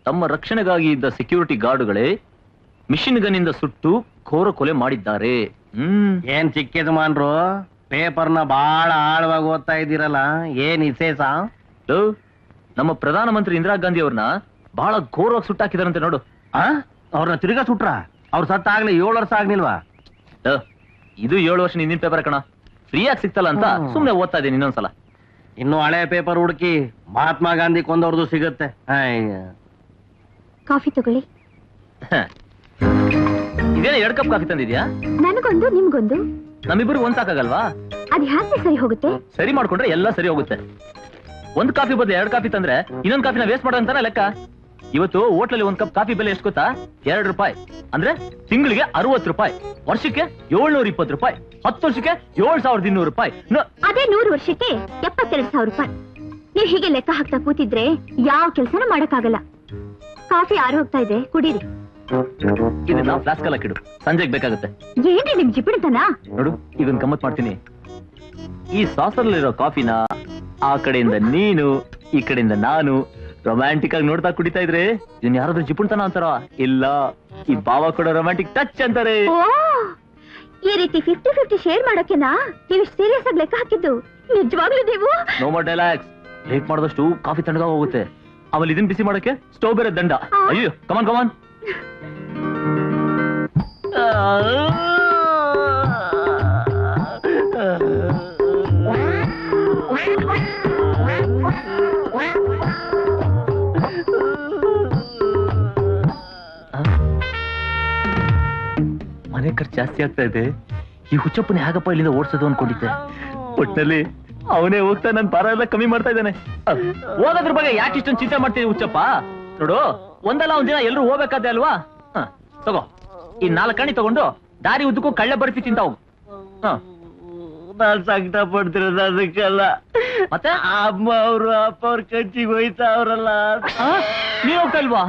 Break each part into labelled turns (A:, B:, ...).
A: ತಮ್ಮ ರಕ್ಷಣೆಗಾಗಿ ಇದ್ದ ಸೆಕ್ಯೂರಿಟಿ ಗಾರ್ಡುಗಳೇ ಮಿಷಿನ್ ಗನ್ನಿಂದ ಸುಟ್ಟು ಘೋರ ಕೊಲೆ ಮಾಡಿದ್ದಾರೆ.
B: ಏನ್ ಚಿಕ್ಕಿದ್ ಮಾನ್ರು, ಪೇಪರ್ನ ಬಹಳ ಆಳವಾಗಿ ಓದ್ತಾ ಇದ್ದೀರಲ್ಲ, ಏನ್ ವಿಶೇಷ?
A: ನಮ್ಮ ಪ್ರಧಾನಮಂತ್ರಿ ಇಂದಿರಾ ಗಾಂಧಿ ಅವ್ರನ್ನ ಬಹಳ ಘೋರವಾಗಿ ಸುಟ್ಟಾಕಿದಾರಂತೆ ನೋಡು.
B: ಅವ್ರನ್ನ ತಿರ್ಗಾ ಸುಟ್ರ? ಅವ್ರ ಸತ್ತಾಗ್ಲಿ 7 ವರ್ಷ ಆಗ್ಲಿಲ್ವಾ?
A: ಇದು 7 ವರ್ಷ ಹಿಂದಿನ ಪೇಪರ್ ಕಣ, ಫ್ರೀಯಾಗಿ ಸಿಗ್ತಲ್ಲ ಅಂತ ಸುಮ್ನೆ ಓದ್ತಾ ಇದ್ದೀನಿ ಇನ್ನೊಂದ್ಸಲ.
B: ಇನ್ನು ಹಳೆ ಪೇಪರ್ ಹುಡುಕಿ ಮಹಾತ್ಮ ಗಾಂಧಿ ಕೊಂದವ್ರದ್ದು ಸಿಗುತ್ತೆ.
C: ಕಾಫಿ ತಗೊಳ್ಳಿ.
A: ಇದೇನ 2 ಕಪ್ ಕಾಫಿ ತಂದಿದ್ಯಾ?
C: ನನಗೊಂದು ನಿಮ್ಗೊಂದು.
A: ನಮ್ಮಿಬ್ಬರು ಒಂದ್ ಸಾಕಾಗಲ್ವಾ?
C: ಅದ್ ಹ್ಯಾಕೆ ಸರಿ ಹೋಗುತ್ತೆ?
A: ಸರಿ ಮಾಡ್ಕೊಂಡ್ರೆ ಎಲ್ಲ ಸರಿ ಹೋಗುತ್ತೆ. 1 ಕಾಫಿ ಬದಲು 2 ಕಾಫಿ ತಂದ್ರೆ ಇನ್ನೊಂದು ಕಾಫಿನ ವೇಸ್ಟ್ ಮಾಡೋದಂತಾನೆ ಲೆಕ್ಕ. ಇವತ್ತು ಹೋಟ್ಲಲ್ಲಿ 1 ಕಪ್ ಕಾಫಿ ಬೆಲೆ ಎಷ್ಟು ಗೊತ್ತಾ? 2 ರೂಪಾಯಿ. ಅಂದ್ರೆ ತಿಂಗಳಿಗೆ 60 ರೂಪಾಯಿ, ವರ್ಷಕ್ಕೆ 720 ರೂಪಾಯಿ, 10 ವರ್ಷಕ್ಕೆ 7200 ರೂಪಾಯಿ.
C: ಅದೇ 100 ವರ್ಷಕ್ಕೆ 72,000 ರೂಪಾಯಿ. ನೀವ್ ಹೀಗೆ ಲೆಕ್ಕ ಹಾಕ್ತಾ ಕೂತಿದ್ರೆ ಯಾವ ಕೆಲ್ಸನೂ ಮಾಡಕ್ಕಾಗಲ್ಲ. ಕಾಫಿ ಆರು ಹೋಗ್ತಾ ಇದೆ, ಕುಡೀರಿ.
A: ಇದನ್ನ ಫ್ಲಾಸ್ಕ್ ಅಲ್ಲಿ ಹಾಕಿಡು, ಸಂಜೆಗೆ ಬೇಕಾಗುತ್ತೆ.
C: ಏನ್ರಿ ನಿಮ್ ಜಿಪಿಡ್ತನ?
A: ನೋಡು, ಇದನ್ನ ಗಮ್ಮತ್ ಮಾಡ್ತೀನಿ. ಈ ಸಾಸರಲ್ಲಿರೋ ಕಾಫಿನ ಆ ಕಡೆಯಿಂದ ನೀನು, ಈ ಕಡೆಯಿಂದ ನಾನು ರೊಮ್ಯಾಂಟಿಕ್ ಆಗಿ ನೋಡ್ತಾ ಕುಡಿತಾ ಇದ್ರೆ ಇದನ್ನ ಯಾರಾದ್ರೂ ಜಿಪುಣ್ತನ ಅಂತಾರ? ಇಲ್ಲ, ಈ ಭಾವ ಕೊಡೋ ರೊಮ್ಯಾಂಟಿಕ್ ಟಚ್ ಅಂತಾರೆ.
C: ಈ ರೀತಿ 50-50 ಶೇರ್ ಮಾಡೋಕೆನಾ ನೀವು ಸೀರಿಯಸ್ ಆಗಿ ಲೆಕ್ಕ ಹಾಕಿದ್ದು? ನಿಜವಾಗ್ಲೂ ನೀವು?
A: No more dialogues. ಲೇಟ್ ಮಾಡಿದಷ್ಟು ಕಾಫಿ ತಣ್ಣಗ ಹೋಗುತ್ತೆ. ಆಮೇಲೆ ಇದನ್ನ ಬಿಸಿ ಮಾಡಕ್ಕೆ ಸ್ಟವ್ ಬೇರೆ ದಂಡ. ಅಯ್ಯೋ, ಕಮಾನ್ ಕಮಾನ್. ಮನೆ ಖರ್ಚು ಜಾಸ್ತಿ ಆಗ್ತಾ ಇದೆ. ಈ ಹುಚ್ಚಪ್ಪನ ಹೇಗಪ್ಪ ಇಲ್ಲಿಂದ ಓಡಿಸೋದು ಅನ್ಕೊಂಡಿದ್ದೆ. ಒಟ್ಟಿನಲ್ಲಿ ಅವನೇ ಹೋಗ್ತಾ ನನ್ ಭಾರ ಎಲ್ಲ ಕಮ್ಮಿ ಮಾಡ್ತಾ ಇದ್ದಾನೆ. ಹೋಗೋದ್ರ ಬಗ್ಗೆ ಯಾಕೆ ಇಷ್ಟೊಂದು ಚಿಂತೆ ಮಾಡ್ತೀವಿ ಹುಚ್ಚಪ್ಪ? ನೋಡು, ಒಂದಲ್ಲ ಒಂದ್ ದಿನ ಎಲ್ರು ಹೋಗ್ಬೇಕಾದೆ ಅಲ್ವಾ? ತಗೋ, ಈ 4 ಕಣಿ ತಗೊಂಡು ದಾರಿ ಉದ್ದಕ್ಕೂ ಕಳ್ಳೆ ಬರ್ಫಿ ತಿಂತ ಹೋಗು.
B: ನಾನ್ ಸಂಕಟ ಪಡ್ತಿರೋದು ಅದಕ್ಕೆಲ್ಲ.
A: ಮತ್ತೆ
B: ಅಮ್ಮ ಅವರು ಅಪ್ಪ ಅವ್ರ ಕಂಚಿಗೆ ಹೋಯ್ತಾ ಅವ್ರಲ್ಲ.
A: ನೀವ್ ಹೋಗ್ತಾ ಇಲ್ವಾ?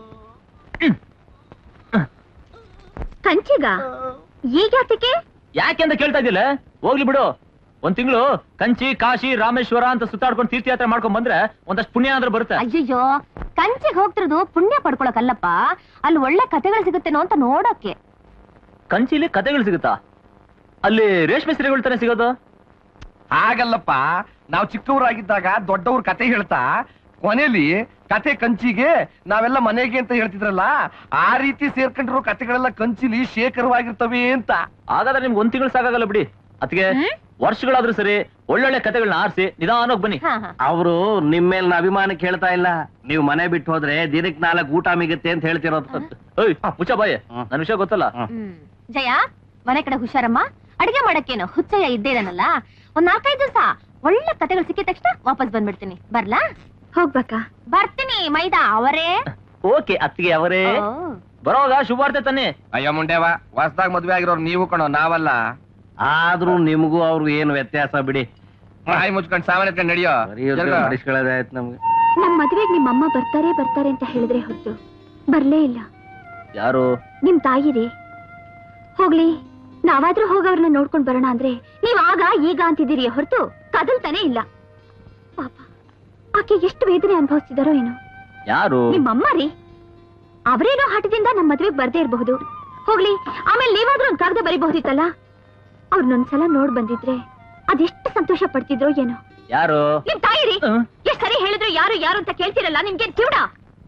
C: ಕಂಚಿಗ? ಈಗ ಯಾತಕ್ಕೆ?
A: ಯಾಕೆ ಅಂತ ಕೇಳ್ತಾ ಇದ್ದಿಲ್ಲ? ಹೋಗ್ಲಿ ಬಿಡು. 1 ತಿಂಗಳು ಕಂಚಿ, ಕಾಶಿ, ರಾಮೇಶ್ವರ ಅಂತ ಸುತ್ತಾಡ್ಕೊಂಡು ತೀರ್ಥಯಾತ್ರೆ ಮಾಡ್ಕೊಂಡ್ ಬಂದ್ರೆ ಒಂದಷ್ಟು ಪುಣ್ಯ ಆದ್ರೂ ಬರುತ್ತೆ.
C: ಅಯ್ಯಯ್ಯೋ, ಕಂಚಿಗೆ ಹೋಗ್ತಿರೋದು ಪುಣ್ಯ ಪಡ್ಕೊಳಕಲ್ಲಪ್ಪ, ಅಲ್ಲಿ ಒಳ್ಳೆ ಕಥೆಗಳು ಸಿಗುತ್ತೇನೋ ಅಂತ ನೋಡೋಕೆ.
A: ಕಂಚಿಲಿ ಕಥೆಗಳು ಸಿಗುತ್ತಾ? ಅಲ್ಲಿ ರೇಷ್ಮೆ ಸೀರೆಗಳು ತಾನೇ ಸಿಗೋದು?
D: ಹಾಗಲ್ಲಪ್ಪ, ನಾವು ಚಿಕ್ಕವರಾಗಿದ್ದಾಗ ದೊಡ್ಡವ್ರ ಕತೆ ಹೇಳ್ತಾ ಕೊನೆಯಲ್ಲಿ ಕತೆ ಕಂಚಿಗೆ, ನಾವೆಲ್ಲ ಮನೆಗೆ ಅಂತ ಹೇಳ್ತಿದ್ರಲ್ಲ, ಆ ರೀತಿ ಸೇರ್ಕೊಂಡಿರೋ ಕತೆಗಳೆಲ್ಲ ಕಂಚಿಲಿ ಶೇಖರವಾಗಿರ್ತವೆ ಅಂತ.
A: ಹಾಗಾದ್ರೆ ನಿಮ್ಗೆ 1 ತಿಂಗಳು ಸಾಕಾಗಲ್ಲ ಬಿಡಿ. ಅದಕ್ಕೆ ವರ್ಷಗಳಾದ್ರೂ ಸರಿ ಒಳ್ಳೊಳ್ಳೆ ಕತೆಗಳನ್ನ ಆರಿಸಿ ನಿಧಾನವಾಗಿ ಬನ್ನಿ.
B: ಅವರು ನಿಮ್ ಮೇಲಿನ ಅಭಿಮಾನಕ್ಕೆ ಹೇಳ್ತಾ ಇಲ್ಲ. ನೀವು ಮನೆ ಬಿಟ್ಟು ಹೋದ್ರೆ ದಿನಕ್ಕೆ 4 ಊಟ ಮಿಗುತ್ತೆ ಅಂತ ಹೇಳ್ತಿರೋದು.
A: ಮುಚ್ಚ ಬಾಯ್, ನನ್ ವಿಷಯ ಗೊತ್ತಲ್ಲ.
C: ಜಯ, ಮನೆ ಕಡೆ ಹುಷಾರಮ್ಮ. ಅಡಿಗೆ ಮಾಡಕ್ಕೇನು ಹುಚ್ಚಯ್ಯ ಇದ್ದೇನಲ್ಲ, ಒಂದ್ 4-5 ದಿವಸ ಒಳ್ಳೆ ಕತೆಗಳು ಸಿಕ್ಕಿದ ತಕ್ಷಣ ವಾಪಸ್ ಬಂದ್ಬಿಡ್ತೀನಿ. ಬರ್ಲಾ? ಹೋಗ್ಬೇಕಾ? ಬರ್ತೀನಿ. ಮೈದಾ ಅವರೇ?
A: ಓಕೆ ಅತ್ತಿಗೆ ಅವರೇ, ಬರೋವಾಗ ಶುಭಾರ್ತೆ ತಾನೆ.
D: ಅಯ್ಯೋ ಮುಂಡೆವಾ, ಹೊಸದಾಗ ಮದ್ವೆ ಆಗಿರೋರು ನೀವು ಕಣೋ, ನಾವಲ್ಲ.
B: ಆದ್ರೂ ನಿಮ್ಗೂ ಅವ್ರಿಗೂ ಏನು ವ್ಯತ್ಯಾಸ ಬಿಡಿ.
D: ಬಾಯಿ ಮುಚ್ಕೊಂಡು ಸಾಮಾನ್ಯ ಎತ್ಕೊಂಡು ನಡೆಯೋ.
B: ನಡೆಸ್ಕೊಳ್ಳೋದಾಯ್ತು ನಮ್ಗೆ.
C: ನಮ್ ಮದ್ವೆಗ್ ನಿಮ್ಮಮ್ಮ ಬರ್ತಾರೆ ಅಂತ ಹೇಳಿದ್ರೆ ಹೊರತು ಬರ್ಲೇ ಇಲ್ಲ.
A: ಯಾರು?
C: ನಿಮ್ ತಾಯಿರಿ. ಹೋಗ್ಲಿ, ನಾವಾದ್ರೂ ಹೋಗವ್ರನ್ನ ನೋಡ್ಕೊಂಡ್ ಬರೋಣ ಅಂದ್ರೆ ನೀವ್ ಆಗ ಈಗ ಅಂತಿದ್ದೀರಿ ಹೊರತು ಕದಲ್ತಾನೆ ಇಲ್ಲ. ಪಾಪ, ಆಕೆ ಎಷ್ಟು ವೇದನೆ ಅನುಭವಿಸ್ತಿದಾರೋ ಏನೋ.
A: ಯಾರು?
C: ನಿಮ್ಮಮ್ಮ ರೀ. ಅವರೇನೋ ಹಠದಿಂದ ನಮ್ ಮದ್ವೆಗ್ ಬರ್ದೇ ಇರಬಹುದು. ಹೋಗ್ಲಿ, ಆಮೇಲೆ ನೀವಾದ್ರೂ ಒಂದ್ ಕಾಗದ ಬರೀಬಹುದಿತ್ತಲ್ಲ. ಅವ್ರನ್ನೊಂದ್ಸಲ ನೋಡ್ ಬಂದಿದ್ರೆ ಅದೆಷ್ಟು ಸಂತೋಷ ಪಡ್ತಿದ್ರೋ ಏನೋ.
A: ಯಾರು?
C: ನಿಮ್ ತಾಯಿರಿ. ಎಷ್ಟ್ ಸರಿ ಹೇಳಿದ್ರು ಯಾರು ಯಾರು ಅಂತ ಕೇಳ್ತಿರಲ್ಲ. ನಿಮ್ಗೆ ಕಿವುಡ?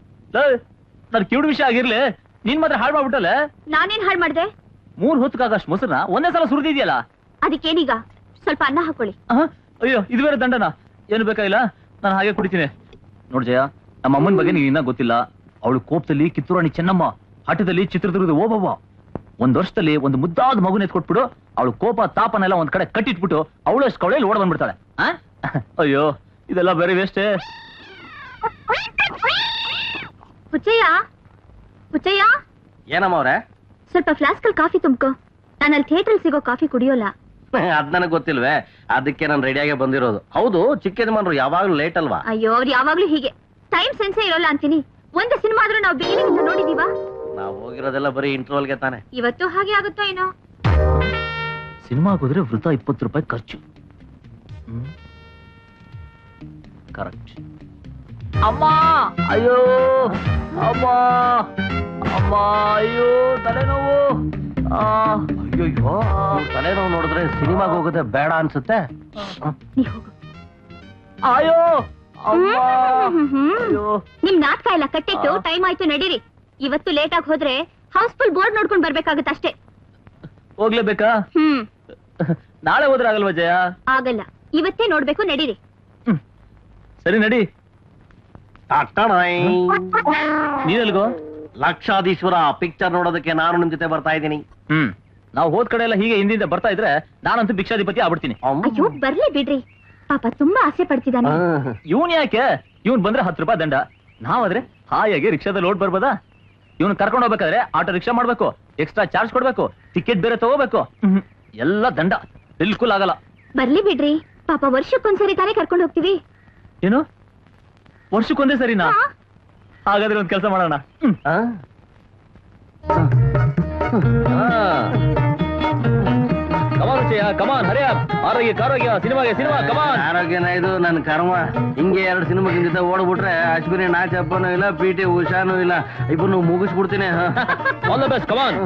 A: ನನ್ ಕಿವುಡ್ ವಿಷಯ ಆಗಿರ್ಲಿ, ನೀನ್ ಮಾತ್ರ ಹಾಳು ಮಾಡ್ಬಿಟ್ಟಲ್ಲ.
C: ನಾನೇನ್ ಹಾಳು ಮಾಡ್ದೆ?
A: 3 ಹೊತ್ತಕ್ಕಾಗಷ್ಟು ಮೊಸರನ್ನ ಒಂದೇ ಸಲ ಸುರಿದಿದ್ಯಲ್ಲ.
C: ಅದಕ್ಕೇನೀಗ? ಸ್ವಲ್ಪ ಅನ್ನ ಹಾಕೊಳ್ಳಿ.
A: ಅಯ್ಯೋ, ಇದು ಬೇರೆ ದಂಡನ? ಏನು ಬೇಕಾಗಿಲ್ಲ, ನಾನು ಹಾಗೆ ಕುಡಿತೀನಿ. ನೋಡ್ ಜಯ, ನಮ್ಮ ಅಮ್ಮನ ಬಗ್ಗೆ ನೀನ್ ಇನ್ನ ಗೊತ್ತಿಲ್ಲ. ಅವಳು ಕೋಪದಲ್ಲಿ ಕಿತ್ತೂರಾಣಿ ಚೆನ್ನಮ್ಮ, ಹಠದಲ್ಲಿ ಚಿತ್ರದುರ್ಗದ ಓಬವ್ವ. 1 ವರ್ಷದಲ್ಲಿ ಒಂದು ಮುದ್ದಾದ ಮಗುನ ಎತ್ಕೊಟ್ಬಿಡು, ಅವಳು ಕೋಪ ತಾಪನೆಲ್ಲ ಒಂದ್ ಕಡೆ ಕಟ್ಟಿಟ್ಬಿಟ್ಟು ಅವಳಷ್ಟು ಕವಳೆಯಲ್ಲಿ ಓಡ ಬಂದ್ಬಿಡ್ತಾಳೆ. ಅಯ್ಯೋ, ಇದೆಲ್ಲ ಬೇರೆ ವೇಸ್ಟೇ.
C: ಹುಚ್ಚಯ್ಯ, ಹುಚ್ಚಯ್ಯ.
B: ಏನಮ್ಮ ಅವ್ರೆ?
C: ಸ್ವಲ್ಪ ಫ್ಲಾಸ್ಕ್ ಅಲ್ಲಿ ಕಾಫಿ ತುಂಬ್ಕೋ. ನಾನು ಅಲ್ಲಿ ಥಿಯೇಟರ್ ಸಿಗೋ ಕಾಫಿ ಕುಡಿಯೋಲ್ಲ.
B: ಅದ್ ನನಗ್ ಗೊತ್ತಿಲ್ವೇ, ಅದಕ್ಕೆ ನಾನು ರೆಡಿಯಾಗೆ ಬಂದಿರೋದು. ಹೌದು, ಚಿಕ್ಕ ಯಜಮಾನ್ರು ಯಾವಾಗ್ಲೂ ಲೇಟ್ ಅಲ್ವಾ?
C: ಅಯ್ಯೋ, ಅವ್ರು ಯಾವಾಗ್ಲೂ ಹೀಗೆ. ಟೈಮ್ ಸೆನ್ಸೇ ಇರೋಲ್ಲ ಅಂತೀನಿ. ಒಂದು ಸಿನಿಮಾ ಆದ್ರೂ ನಾವು ಬಿಗಿನಿಂಗ್ ನೋಡಿದೀವ?
B: ನಾವು ಹೋಗಿರೋದೆಲ್ಲ ಬರೀ ಇಂಟರ್ವಲ್ಗೆ ತಾನೆ.
C: ಇವತ್ತು ಹಾಗೆ ಆಗುತ್ತೋ ಏನೋ.
A: ಸಿನಿಮಾಗೆ ಹೋದ್ರೆ ವೃತ 20 ರೂಪಾಯಿ ಖರ್ಚು. ಕರೆಕ್ಟ್. ಅಮ್ಮ ಅಯ್ಯೋ ಅಮ್ಮ ಅಮ್ಮ ಅಯ್ಯೋ ತಲೆನೋವು
B: ಅಯ್ಯೋ ತಲೆನೋವು ನೋಡಿದ್ರೆ ಸಿನಿಮಾಗೆ ಹೋಗೋದೇ ಬೇಡ ಅನ್ಸುತ್ತೆ.
C: ನೀ ಹೋಗು.
A: ಅಯ್ಯೋ ಅಮ್ಮ ಅಯ್ಯೋ
C: ನಿಮ್ ನಾಟಕ ಎಲ್ಲ ಕಟ್ಟಿಟ್ಟು ಟೈಮ್ ಆಯ್ತು, ನಡೀರಿ. ಇವತ್ತು ಲೇಟ್ ಆಗಿ ಹೋದ್ರೆ ಹೌಸ್ಫುಲ್ ಬೋರ್ಡ್ ನೋಡ್ಕೊಂಡ್ ಬರ್ಬೇಕಾಗತ್ತಷ್ಟೇ.
A: ಹೋಗ್ಲೇಬೇಕಾ? ನಾಳೆ ಹೋದ್ರೆ ಆಗಲ್ವಾ ಜಯ?
C: ಆಗಲ್ಲ, ಇವತ್ತೇ ನೋಡ್ಬೇಕು, ನಡೀರಿ.
A: ಸರಿ ನಡಿ. ನೀನೆಲ್ಗೋ?
B: ಲಕ್ಷಾಧೀಶ್ವರ ಪಿಕ್ಚರ್ ನೋಡೋದಕ್ಕೆ ನಾನು ನಿಮ್ ಜೊತೆ ಬರ್ತಾ ಇದ್ದೀನಿ.
A: ನಾವು ಹೋದ್ ಕಡೆ ಎಲ್ಲ ಹೀಗೆ ಹಿಂದಿಂದ ಬರ್ತಾ ಇದ್ರೆ ನಾನಂತೂ ಭಿಕ್ಷಾಧಿಪತಿ ಆಗ್ಬಿಡ್ತೀನಿ.
C: ಅಯ್ಯೋ ಬರ್ಲಿ ಬಿಡ್ರಿ, ಪಾಪ ತುಂಬಾ ಆಸೆ ಪಡ್ತಿದ್ದಾನೆ.
A: ಇವನ್ ಯಾಕೆ? ಇವನ್ ಬಂದ್ರೆ 10 ರೂಪಾಯಿ ದಂಡ. ನಾವಾದ್ರೆ ಹಾಯಾಗಿ ರಿಕ್ಷಾದಲ್ಲಿ ಓಡ್ ಬರ್ಬೋದಾ? ಇವನ್ ಕರ್ಕೊಂಡು ಹೋಗ್ಬೇಕಾದ್ರೆ ಆಟೋ ರಿಕ್ಷಾ ಮಾಡ್ಬೇಕು, ಎಕ್ಸ್ಟ್ರಾ ಚಾರ್ಜ್ ಕೊಡ್ಬೇಕು, ಟಿಕೆಟ್ ಬೇರೆ ತಗೋಬೇಕು. ಎಲ್ಲ ದಂಡ, ಬಿಲ್ಕುಲ್ ಆಗಲ್ಲ.
C: ಬರ್ಲಿ ಬಿಡ್ರಿ, ಪಾಪ ವರ್ಷಕ್ಕೊಂದ್ಸರಿ ತಾನೇ ಕರ್ಕೊಂಡು ಹೋಗ್ತೀವಿ.
A: ಏನು ವರ್ಷಕ್ಕೊಂದೇ ಸರಿನಾ? ಹಾಗಾದ್ರೆ ಒಂದ್ ಕೆಲಸ ಮಾಡೋಣ. ಕಮಾನ್ ವಿಜಯ, ಕಮಾನ್ ಹರಿಯ. ಆರೋಗ್ಯ ಆರೋಗ್ಯ, ಸಿನಿಮಾಗೆ ಸಿನಿಮಾ, ಕಮಾನ್.
B: ಆರೋಗ್ಯನ ಇದು ನನ್ನ ಕರ್ಮ. ಹಿಂಗೆ 2 ಸಿನಿಮಾ ಜೊತೆ ಓಡ್ಬಿಟ್ರೆ ಅಶ್ವಿನಿ ನಾಚಪ್ಪನೂ ಇಲ್ಲ, PT ಉಷಾನೂ ಇಲ್ಲ, ಇಬ್ಬರು ಮುಗಿಸ್ಬಿಡ್ತೀನಿ.
A: All the best, come on.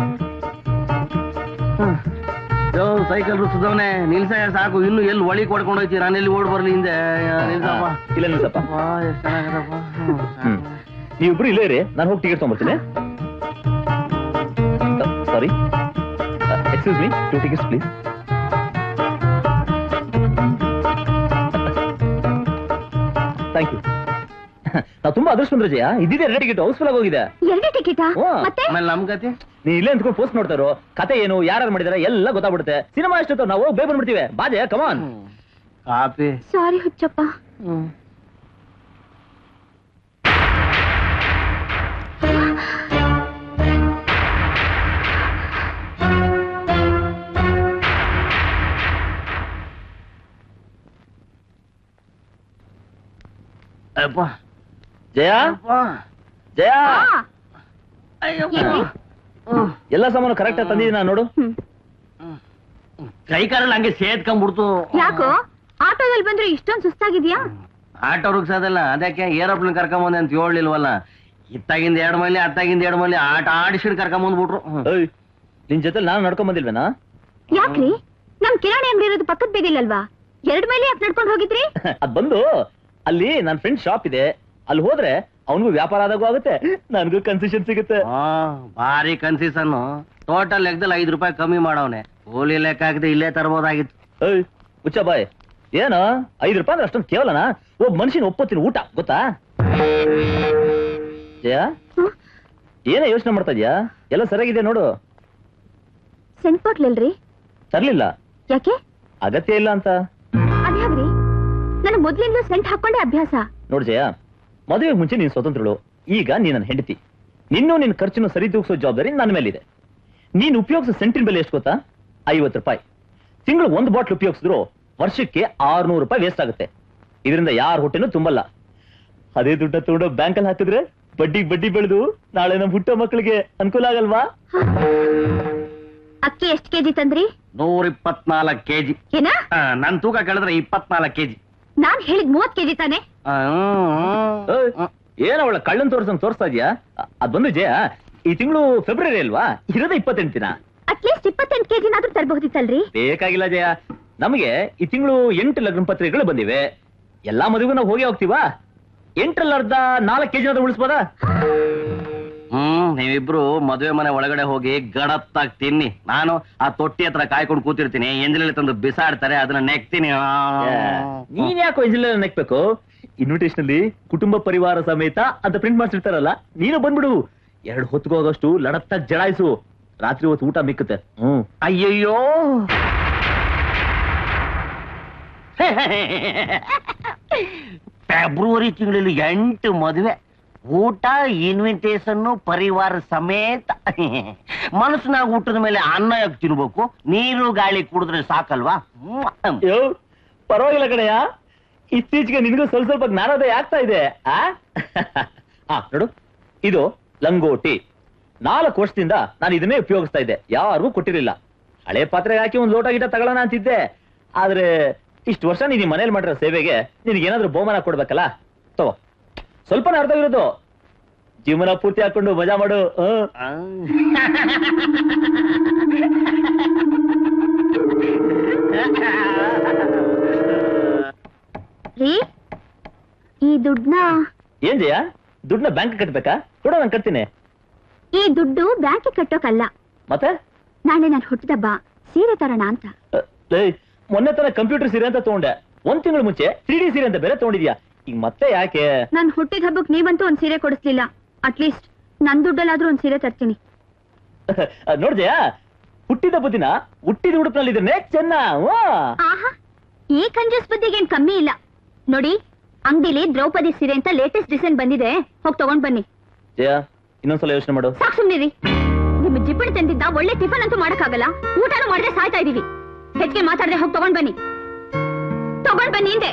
B: Cycle ರುಚಿದವನೇ ನಿಲ್ಸ ಸಾಕು, ಇನ್ನು ಎಲ್ಲಿ ಒಳಿ ಕೊಡ್ಕೊಂಡು ಹೋಯ್ತಿ, ನಾನು ಎಲ್ಲಿ ಓಡ್ ಬರ್ಲಿ ಹಿಂದೆ. ನಿಲ್ಸಪ್ಪ.
A: ಇಲ್ಲ ನಿಲ್ಸಪ್ಪ.
B: ಎಷ್ಟು ಚೆನ್ನಾಗಿರಪ್ಪ.
A: ನೀವಿಬ್ರು ಇಲ್ಲೇ ಇರಿ, ನಾನು ಹೋಗಿ ಟಿಕೆಟ್ ತಗೊಂಡ್ಬರ್ತೀನಿ. Sorry, excuse me, 2 tickets please. Thank you. ನಾವು ತುಂಬಾ ಅದೃಷ್ಟ ಬಂದ್ರೆ ಜಯ, ಇದ್ದಿದೆ 2 ಟಿಕೆಟ್ ಹೌಸ್ಫುಲ್ ಆಗಿ ಹೋಗಿದೆ.
C: 2 ಟಿಕೆಟಾ? ಮತ್ತೆ
B: ಆಮೇಲೆ ನಮ್ ಗತಿ
A: ನೀ ಇಲ್ಲೇ ಅಂದ್ಕೊಂಡು ಪೋಸ್ಟ್ ನೋಡ್ತಾರೋ, ಕತೆ ಏನು, ಯಾರು ಮಾಡಿದಾರೆ ಎಲ್ಲ ಗೊತ್ತಾಗ್ಬಿಡುತ್ತೆ. ಸಿನಿಮಾ ಎಷ್ಟೊತ್ತು ನಾವು ಬೇಗ ಬಂದ್ಬಿಡ್ತೀವಿ. ಬಾಜೆ, ಕಮಾನ್.
B: ಕಾಪಿ.
C: ಸಾರಿ ಹುಚ್ಚಪ್ಪ.
B: ಅಪ್ಪ
A: ಜಯ, ಜಯ,
C: ಏನ್ರಿ?
A: ಎಲ್ಲ ಸಾಮಾನು ಕರೆಕ್ಟ್ ಆಗಿ ತಂದಿದ್ದೀನ ನೋಡು.
B: ಕೈ ಕಾರಲ್ಲಿ ಹಂಗೆ ಸೇದ್ಕೊಂಡ್ಬಿಡ್ತು.
C: ಯಾಕೋ ಆಟೋದಲ್ಲಿ ಬಂದ್ರೆ ಇಷ್ಟೊಂದು ಸುಸ್ತಾಗಿದ್ಯಾ?
B: ಆಟೋ ರುಗ್ಸೋದಲ್ಲ, ಅದಕ್ಕೆ ಏರೋಪ್ಲೇನ್ ಕರ್ಕೊಂಬಂದೆ ಅಂತ ಹೇಳಿಲ್ವಲ್ಲ. ಇತ್ತಾಗಿಂದ 2 ಮೈಲಿ ಅತ್ತಾಗಿಂದ 2 ಮೈಲಿ ಆಟ ಆಡಿಸಿ ಕರ್ಕೊಂಬಂದ್ಬಿಟ್ರು.
A: ನಿನ್ ಜೊತೆ ನಾನು ನಡ್ಕೊಂಡ್ ಬಂದಿಲ್ವೇನಾ?
C: ಯಾಕ್ರಿ, ನಮ್ ಕಿರಾಣಿ ಅಂಗಡಿ ಇರೋದು ಪಕ್ಕದ ಬೀದಿಲಲ್ವಾ? 2 ಮೈಲಿ ಯಾಕೆ ನಡ್ಕೊಂಡು ಹೋಗಿದ್ರಿ?
A: ಅದ್ ಬಂದು ಅಲ್ಲಿ ನನ್ನ ಫ್ರೆಂಡ್ ಶಾಪ್ ಇದೆ, ಅಲ್ಲಿ ಹೋದ್ರೆ ಅವನಿಗೂ ವ್ಯಾಪಾರ ಆದಾಗೂ ಆಗುತ್ತೆ, ನನಗೂ ಕನ್ಸೆಷನ್ ಸಿಗುತ್ತೆ.
B: ಭಾರಿ ಕನ್ಸೆಷನ್. ಟೋಟಲ್ ಲೆಕ್ಕದಲ್ಲಿ 5 ರೂಪಾಯಿ ಕಮ್ಮಿ ಮಾಡವನೆ. ಕೂಲಿ ಲೆಕ್ಕ ಹಾಕಿದ್ರೆ ಇಲ್ಲೇ ತರಬಹುದಾಗಿತ್ತು.
A: ಹುಚ್ಚ ಬಾಯ್, ಏನು 5 ರೂಪಾಯಿ ಅಂದ್ರೆ ಅಷ್ಟೊಂದು ಕೇವಲನಾ? ಒಬ್ಬ ಮನುಷ್ಯನ ಒಪ್ಪತ್ತಿನ ಊಟ ಗೊತ್ತಾ? ಜಯ, ಏನೇ ಯೋಚನೆ ಮಾಡ್ತಾ ಇದ್ಯಾ? ಎಲ್ಲ ಸರಿಯಾಗಿದೆ ನೋಡು.
C: ಸೆಂಟ್ ಬಾಟ್ಲಲ್ರಿ?
A: ತರ್ಲಿಲ್ಲ.
C: ಯಾಕೆ?
A: ಅಗತ್ಯ ಇಲ್ಲ ಅಂತ.
C: ಅದ್ಯಾಗ್ರಿ, ನನ್ನ ಮೊದ್ಲಿಂದಲೂ ಸೆಂಟ್ ಹಾಕೊಂಡೆ ಅಭ್ಯಾಸ.
A: ನೋಡ್ ಜಯ, ಮದುವೆಗೆ ಮುಂಚೆ ನೀನ್ ಸ್ವತಂತ್ರಳು, ಈಗ ನೀನ್ ನನ್ನ ಹೆಂಡತಿ. ನಿನ್ನ ಖರ್ಚನ್ನು ಸರಿ ತೂಗಿಸೋ ಜವಾಬ್ದಾರಿ ನನ್ನ ಮೇಲಿದೆ. ನೀನ್ ಉಪಯೋಗಿಸೋ ಸೆಂಟಿನ ಬೆಲೆ ಎಷ್ಟು ಗೊತ್ತಾ? 50 ರೂಪಾಯಿ. ತಿಂಗಳು 1 ಬಾಟ್ಲ್ ಉಪಯೋಗಿಸಿದ್ರು ವರ್ಷಕ್ಕೆ 600 ರೂಪಾಯಿ ವೇಸ್ಟ್ ಆಗುತ್ತೆ. ಇದರಿಂದ ಯಾರ ಹೊಟ್ಟೆನೂ ತುಂಬಲ್ಲ. ಅದೇ ದುಡ್ಡ ತಗೊಂಡು ಬ್ಯಾಂಕಲ್ಲಿ ಹಾಕಿದ್ರೆ ಬಡ್ಡಿ ಬೆಳೆದು ನಾಳೆ ನಮ್ಮ ಹುಟ್ಟೋ ಮಕ್ಕಳಿಗೆ ಅನುಕೂಲ ಆಗಲ್ವಾ?
C: ಅಕ್ಕಿ ಎಷ್ಟು ಕೆಜಿ ತಂದ್ರಿ?
B: 124 ಕೆಜಿ.
C: ಏನ?
B: ನನ್ ತೂಕ ಕೇಳಿದ್ರೆ 24 ಕೆಜಿ.
C: ನಾನ್ ಹೇಳಿದ್ 30 ಕೆಜಿ ತಾನೆ?
A: ಏನ ಅವಳ ಕಳ್ಳನ್ ತೋರ್ಸ್ತಾ ಇದ್ಯಾ? ಅದ್ ಬಂದು ಜಯ, ಈ ತಿಂಗಳು ಫೆಬ್ರವರಿ ಅಲ್ವಾ, ಇರೋದೇ 28 ದಿನ.
C: ಅಟ್ಲೀಸ್ಟ್ 28 ಕೆಜಿನಾದ್ರೂ ತರಬಹುದಿತ್ತಲ್ರಿ?
A: ಬೇಕಾಗಿಲ್ಲ ಜಯ, ನಮಗೆ ಈ ತಿಂಗಳು 8 ಲಗ್ನ ಪತ್ರಿಕೆಗಳು ಬಂದಿವೆ. ಎಲ್ಲಾ ಮದುವೆಗೂ ನಾವು ಹೋಗ್ತೀವಾ? 8ರಲ್ಲಿ ಅರ್ಧ 4 ಕೆಜಿನಾದ್ರೂ ಉಳಿಸ್ಬೋದಾ?
B: ನೀವಿಬ್ರು ಮದುವೆ ಮನೆ ಒಳಗಡೆ ಹೋಗಿ ಗಡತ್ತಾಗಿ ತಿನ್ನಿ. ನಾನು ಆ ತೊಟ್ಟಿ ಹತ್ರ ಕಾಯ್ಕೊಂಡು ಕೂತಿರ್ತೀನಿ. ಎಂಜಲಲ್ಲಿ ತಂದು ಬಿಸಾಡ್ತಾರೆ, ಅದನ್ನ ನೆಕ್ತೀನಿ.
A: ನೀನ್ ಯಾಕೋ ಎಂಜಲಲ್ಲಿ ನೆಕ್ಬೇಕು? ಇನ್ವಿಟೇಷನ್ ಅಲ್ಲಿ ಕುಟುಂಬ ಪರಿವಾರ ಸಮೇತ ಅಂತ ಪ್ರಿಂಟ್ ಮಾಡ್ಸಿರ್ತಾರಲ್ಲ, ನೀನು ಬಂದ್ಬಿಡು. 2 ಹೊತ್ಕೋಗಷ್ಟು ಲಡತ್ತಾಗಿ ಜಡಾಯಿಸು. ರಾತ್ರಿ ಹೊತ್ತು ಊಟ ಮಿಕ್ಕುತ್ತೆ.
B: ಅಯ್ಯಯ್ಯೋ, ಫೆಬ್ರವರಿ ತಿಂಗಳಲ್ಲಿ 8 ಮದುವೆ, ಊಟ, ಇನ್ವಿಟೇಷನ್, ಪರಿವಾರ ಸಮೇತ. ಮನಸ್ಸಿನಾಗ ಊಟದ ಮೇಲೆ ಅನ್ನ ಯಾಕೆ ತಿನ್ಬೇಕು? ನೀರು ಗಾಳಿ ಕುಡಿದ್ರೆ ಸಾಕಲ್ವಾ?
A: ಪರವಾಗಿಲ್ಲ ಕಡೆಯ, ಇತ್ತೀಚೆಗೆ ನಿನ್ಗೂ ಸ್ವಲ್ಪ ಜ್ಞಾನೋದಯ ಆಗ್ತಾ ಇದೆ. ನೋಡು, ಇದು ಲಂಗೋಟಿ. 4 ವರ್ಷದಿಂದ ನಾನು ಇದನ್ನೇ ಉಪಯೋಗಿಸ್ತಾ ಇದ್ದೆ, ಯಾರಿಗೂ ಕೊಟ್ಟಿರಲಿಲ್ಲ. ಹಳೆ ಪಾತ್ರೆಗೆ ಹಾಕಿ ಒಂದು ಲೋಟ ಗಿಟ ತಗೊಳ್ಳೋಣ ಅಂತಿದ್ದೆ. ಆದ್ರೆ ಇಷ್ಟು ವರ್ಷ ನೀನು ಮನೇಲಿ ಮಾಡಿರೋ ಸೇವೆಗೆ ನಿನಗೇನಾದ್ರೂ ಬಹುಮಾನ ಕೊಡ್ಬೇಕಲ್ಲ. ತಗೋ, ಸ್ವಲ್ಪನೇ ಅರ್ಧ ಇರೋದು. ಜೀವನ ಪೂರ್ತಿ ಹಾಕೊಂಡು ಮಜಾ ಮಾಡು.
C: ರೀ, ಈ ದುಡ್ಡನ್ನ
A: ಏನ್ ಜಯ, ದುಡ್ಡನ್ನ ಬ್ಯಾಂಕ್ ಕಟ್ಬೇಕಾ? ಕೊಡ, ನಾನು ಕಟ್ತೀನಿ.
C: ಈ ದುಡ್ಡು ಬ್ಯಾಂಕ್ ಕಟ್ಟೋಕಲ್ಲ,
A: ಮತ್ತೆ
C: ನಾಳೆ ನಾನು ಹುಟ್ಟಿದಬ್ಬ ಸೀರೆ ತರೋಣ ಅಂತ.
A: ಮೊನ್ನೆ ತರ ಕಂಪ್ಯೂಟರ್ ಸೀರೆ ಅಂತ ತಗೊಂಡೆ, 1 ತಿಂಗಳು ಮುಂಚೆ 3D ಸೀರೆ ಅಂತ ಬೇರೆ ತಗೊಂಡಿದ್ಯಾ. ಈಗ ಮತ್ತೆ ಯಾಕೆ?
C: ನನ್ ಹುಟ್ಟಿದ ಹಬ್ಬಕ್ ನೀವಂತೂ ಒಂದ್ ಸೀರೆ ಕೊಡಿಸ್ಲಿಲ್ಲ. ಅಟ್ಲೀಸ್ಟ್ ನನ್ ದುಡ್ಡಲ್ಲಾದ್ರೂ ಒಂದ್ ಸೀರೆ ತರ್ತೀನಿ.
A: ನೋಡ್ದೆಯ, ಹುಟ್ಟಿದ ದಿನ ಹುಟ್ಟಿದ ಉಡುಪಿನಲ್ಲಿ ಇದ್ರೆ ಚೆನ್ನ.
C: ಆಹಾ, ಈ ಕಂಜೂಸ್ ಬುದ್ಧಿಗೆ ಏನ್ ಕಮ್ಮಿ ಇಲ್ಲ ನೋಡಿ. ಅಂಗಡಿಲಿ ದ್ರೌಪದಿ ಸೀರೆ ಅಂತ ಲೇಟೆಸ್ಟ್ ಡಿಸೈನ್ ಬಂದಿದೆ, ಹೋಗಿ ತಗೊಂಡ್ ಬನ್ನಿ.
A: ಜಯ, ಇನ್ನೊಂದ್ಸಲ ಯೋಚನೆ ಮಾಡು.
C: ಸಾಕ್ ಸುಮ್ನಿರಿ. ನಿಮ್ಮ ಜಿಪ್ಪಣಿ ತಂದಿದ್ದ ಒಳ್ಳೆ ಟಿಫನ್ ಅಂತೂ ಮಾಡಕ್ಕಾಗಲ್ಲ, ಊಟನೂ ಮಾಡದೆ ಸಾಯ್ತಾ ಇದೀವಿ. ಹೆಚ್ಚಿಗೆ ಮಾತಾಡದೆ ಹೋಗಿ ತಗೊಂಡ್ ಬನ್ನಿ. ತಗೊಂಡ್ ಬನ್ನಿ ಹಿಂದೆ.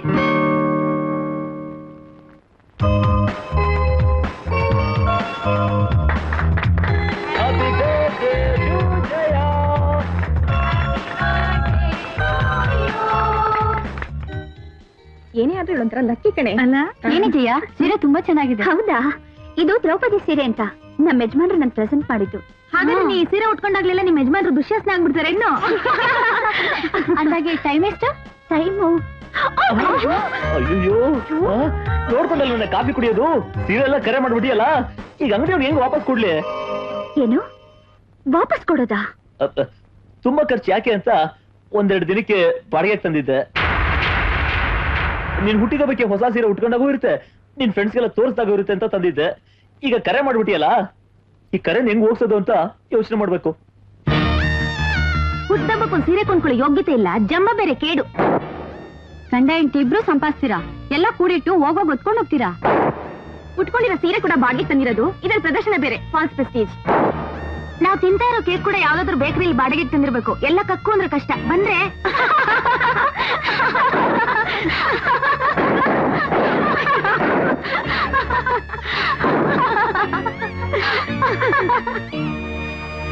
E: ಏನೇ ಆದ್ರೂ ಒಂಥರ ಲಕ್ಕಿ ಕಣೆ
C: ಅಲ್ಲ, ಏನಿದೆಯಾ? ಸೀರೆ ತುಂಬಾ ಚೆನ್ನಾಗಿದೆ. ಹೌದಾ? ಇದು ದ್ರೌಪದಿ ಸೀರೆ ಅಂತ ನಮ್ಮ ಯಜಮಾನ್ರು ನನ್ ಪ್ರೆಸೆಂಟ್ ಮಾಡಿದ್ದು.
E: ಹಾಗಾದ್ರೆ ನೀ ಸೀರೆ ಉಟ್ಕೊಂಡಾಗ್ಲೆಲ್ಲ ನಿಮ್ಮ ಯಜಮಾನ್ರು ದುಶ್ಯಾಸನ ಆಗ್ಬಿಡ್ತಾರೆ ಇನ್ನು.
C: ಅಂದಾಗೆ ಟೈಮ್ ಎಷ್ಟು? ಟೈಮು
A: ಅಯ್ಯೋ, ನೋಡ್ಕೊಂಡಲ್ಲ ನನ್ನ ಕಾಫಿ ಕುಡಿಯೋದು, ಸೀರೆ ಎಲ್ಲ ಕರೆ ಮಾಡ್ಬಿಟ್ಟಿಯಲ್ಲ. ಈಗ ಅಂಗಡಿ ಅವ್ನು ಹೆಂಗ್ ವಾಪಸ್ ಕೊಡ್ಲಿ?
C: ಏನು ವಾಪಸ್ ಕೊಡೋದಾ?
A: ತುಂಬಾ ಖರ್ಚು ಯಾಕೆ ಅಂತ 1-2 ದಿನಕ್ಕೆ ಬಾಡಿಗೆ ತಂದಿದ್ದೆ. ನೀನ್ ಹುಟ್ಟಿದ ಬಗ್ಗೆ ಹೊಸ ಸೀರೆ ಉಟ್ಕೊಂಡಾಗೂ ಇರುತ್ತೆ, ನಿನ್ ಫ್ರೆಂಡ್ಸ್ಗೆಲ್ಲ ತೋರಿಸ್ದಾಗೂ ಇರುತ್ತೆ ಅಂತ ತಂದಿದ್ದೆ. ಈಗ ಕರೆ ಮಾಡ್ಬಿಟ್ಟಿಯಲ್ಲ, ಈ ಕರೆನ್ ಹೆಂಗ್ ಹೋಗ್ಸೋದು ಅಂತ ಯೋಚನೆ ಮಾಡ್ಬೇಕು.
C: ಹುಟ್ಟಬ್ಬಕ್ಕೊಂದು ಸೀರೆ ಕೊಂಡ್ಕೊಳ್ಳೋ ಯೋಗ್ಯತೆ ಇಲ್ಲ, ಜಂಬ ಬೇರೆ ಕೇಡು. ಗಂಡ ಹೆಂಡತಿ ಇಬ್ರು ಸಂಪಾದಿಸ್ತೀರಾ, ಎಲ್ಲ ಕೂಡಿಟ್ಟು ಹೋಗೋಗ್ ಹೊತ್ಕೊಂಡು ಹೋಗ್ತೀರಾ. ಉಟ್ಕೊಂಡಿರೋ ಸೀರೆ ಕೂಡ ಬಾಡಿಗೆ ತಂದಿರೋದು, ಇದ್ರ ಪ್ರದರ್ಶನ ಬೇರೆ, ಫಾಲ್ಸ್ ಪ್ರೆಸ್ಟೀಜ್. ನಾವ್ ತಿಂತಾ ಇರೋ ಕೇಕ್ ಕೂಡ ಯಾವ್ದಾದ್ರು ಬೇಕರಿಲಿ ಬಾಡಿಗೆ ತಂದಿರ್ಬೇಕು. ಎಲ್ಲ ಕಕ್ಕು ಅಂದ್ರೆ ಕಷ್ಟ. ಬಂದ್ರೆ